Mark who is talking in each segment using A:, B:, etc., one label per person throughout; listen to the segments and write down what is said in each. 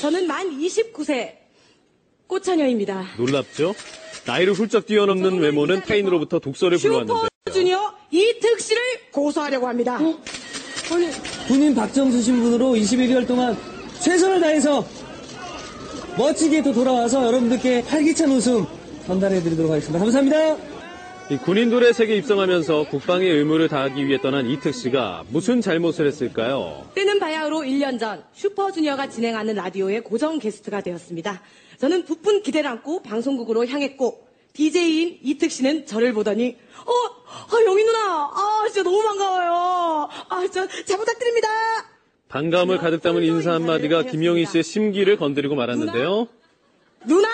A: 저는 만 29세 꽃처녀입니다.
B: 놀랍죠? 나이를 훌쩍 뛰어넘는 외모는 타인으로부터 독설을 불러왔는데요.
A: 슈퍼주니어 이특 씨를 고소하려고 합니다.
C: 아니, 본인 박정수 신분으로 21개월 동안 최선을 다해서 멋지게 또 돌아와서 여러분들께 활기찬 웃음 전달해드리도록 하겠습니다. 감사합니다.
B: 이 군인들의 세계에 입성하면서 국방의 의무를 다하기 위해 떠난 이특 씨가 무슨 잘못을 했을까요?
A: 뜨는 바야흐로 1년 전 슈퍼주니어가 진행하는 라디오의 고정 게스트가 되었습니다. 저는 부푼 기대를 안고 방송국으로 향했고 DJ인 이특 씨는 저를 보더니 영희 누나 진짜 너무 반가워요. 진짜 잘 부탁드립니다.
B: 반가움을 가득 담은 인사 한마디가 김영희 씨의 심기를 건드리고 말았는데요.
A: 누나!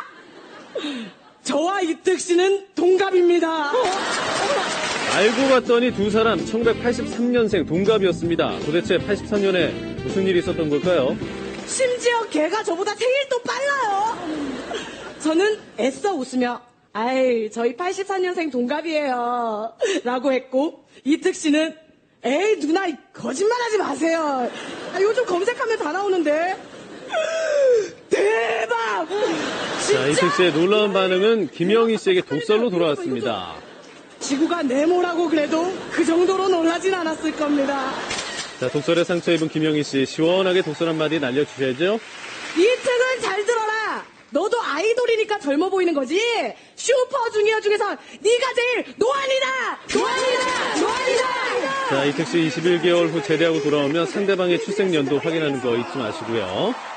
A: 저와 이특 씨는 동갑입니다.
B: 알고 봤더니 두 사람 1983년생 동갑이었습니다. 도대체 83년에 무슨 일이 있었던 걸까요?
A: 심지어 걔가 저보다 생일도 빨라요. 저는 애써 웃으며 저희 84년생 동갑이에요 라고 했고 이특 씨는 에이 누나 거짓말하지 마세요. 요즘 검색하면 다 나오는데. 대박!
B: 자, 이특 씨의 놀라운 반응은 김영희 씨에게 독설로 돌아왔습니다.
A: 지구가 네모라고 그래도 그 정도로 놀라진 않았을 겁니다.
B: 자, 독설에 상처 입은 김영희 씨, 시원하게 독설 한마디 날려주셔야죠.
A: 이특은 잘 들어라. 너도 아이돌이니까 젊어 보이는 거지. 슈퍼주니어 중에서 네가 제일 노안이다.
B: 자, 이특 씨 21개월 후 제대하고 돌아오면 상대방의 출생 연도 확인하는 거 잊지 마시고요.